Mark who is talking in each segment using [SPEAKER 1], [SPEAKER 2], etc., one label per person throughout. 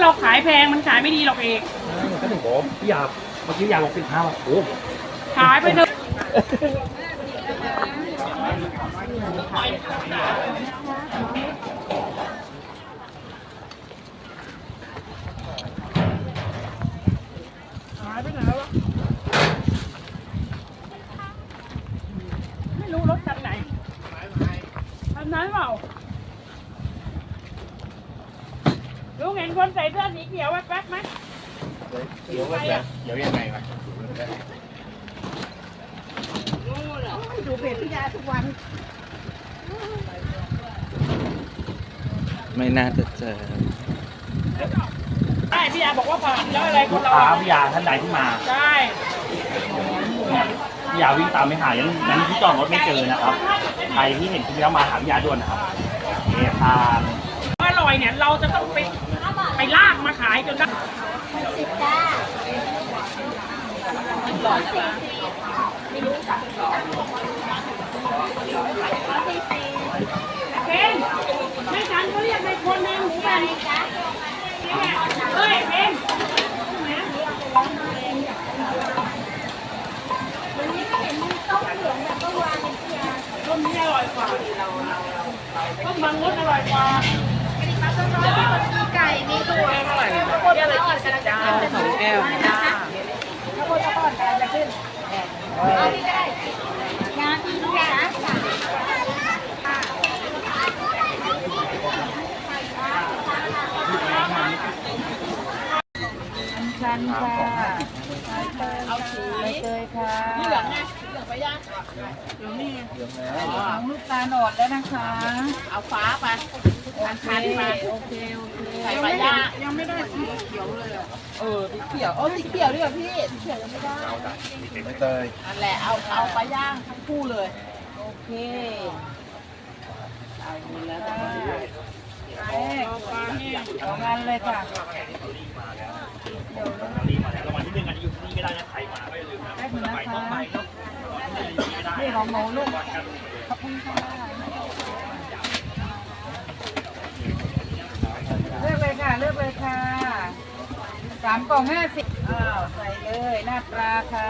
[SPEAKER 1] เราขายแพงมันขายไม่ดีหรอกเอก
[SPEAKER 2] ก็ถึงบอกพี่ยาเมื่อกี้ยาลง15บาทโอ้
[SPEAKER 1] ขายไปเถอะหายไปไหนวะไม่รู้รถคันไหนคันนั้นเปล่าลุงเห็นคนใส่เสื้อสีเขียวแป๊บๆไหม
[SPEAKER 2] เดี๋ยวว่าแบบเดี๋ยวยังไงวะ
[SPEAKER 3] ดูเพจพี่ยาทุกวัน
[SPEAKER 4] ไม่น่าจะเจอ
[SPEAKER 1] ใช่พี่ยาบอกว่าผ่านแล้วอะไร
[SPEAKER 2] ลูกค้าพี่ยาท่านใดที่มา
[SPEAKER 1] ใช่
[SPEAKER 2] พี่ยาวิ่งตามไม่หายังที่จอดรถไม่เจอนะครับใครที่เห็นพี่ยามาหาพี่ยาด่วนนะครับเอทาน
[SPEAKER 1] อร่อยเนี่ยเราจะต้องไปลากมาขายจนได้
[SPEAKER 3] 10 จ้า
[SPEAKER 1] เป็นไม่ฉันเขาเรียกในคนในหมูแบนเฮ้ยเป็นต้มนี้อร่อยกว่าต้มบางมดอร่อยกว่า
[SPEAKER 3] ไก่มีตัวเท่าไหร่เยอะเลย20 จ้า2 แก้วจ้าข้าวโพดข้าวต้นการจะขึ้นเอาที่ได้งานที่ลูกค้าชันค่ะเอาสีใบเตยค่ะเหลืองไงเหลืองไปย่างเหลืองนี่ของลูกตาลอ่อนแล้วนะคะ เอาฟ้าไปคันไปโอเคใส่ไปย่างยังไม่ได้สีเขียวเลยสีเขียวสีเขียวดีกว่าพี่สีเขียวยังไม่ได้
[SPEAKER 2] ไม่เตย
[SPEAKER 3] นั่นแหละเอาไปย่างทั้งคู่เลยโอเคเอาดีแล้วเอางานเลยค่ะ
[SPEAKER 2] รางวัลที่1อันนี้อยู่ที่นี่ไม่ได้นะใครมาไม่ลืมนะ
[SPEAKER 3] ได้ถึงนะคะ
[SPEAKER 2] ต้องไปเนาะ
[SPEAKER 3] นี่ของหนูลูกขอบคุณค่ะเลือกเลยค่ะเลือกเลยค่ะ3 กล่อง 50อ้าวใส่เลยหน้าปลาค่ะ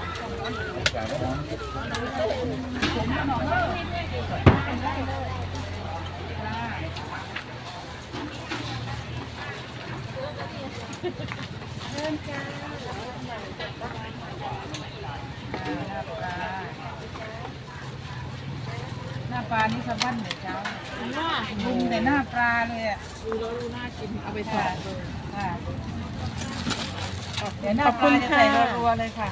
[SPEAKER 3] เริ่มจ้าหน้าปลานี่สะบั้นเลยเจ้าบุ้มแต่หน้าปลาเลยอ่ะดูแล้วดูน่ากินเอาไปทอดเลยเดี๋ยวหน้าปลาจะใส่รัวๆเลยค่ะ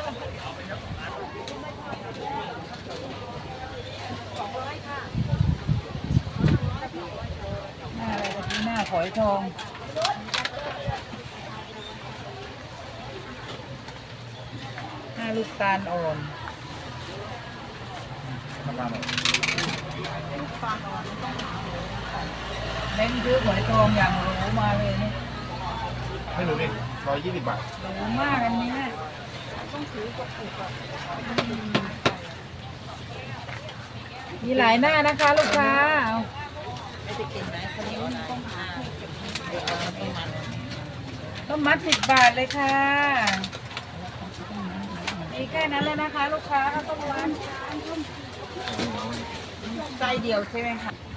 [SPEAKER 3] หน้าอะไรตะกี้หน้าฝอยทองหน้าลูกตาลอ่อนเล่นซื้อฝอยทองอย่างหรูมาเลยนี่
[SPEAKER 2] ไม่รู้เลย120 บาท
[SPEAKER 3] หรูมากอันนี้ต้องถือกระปุกมีหลายหน้านะคะลูกค้าต้มมัด10 บาทเลยค่ะมีแค่นั้นเลยนะคะลูกค้าต้มมัดไส้เดียวใช่ไหมคะ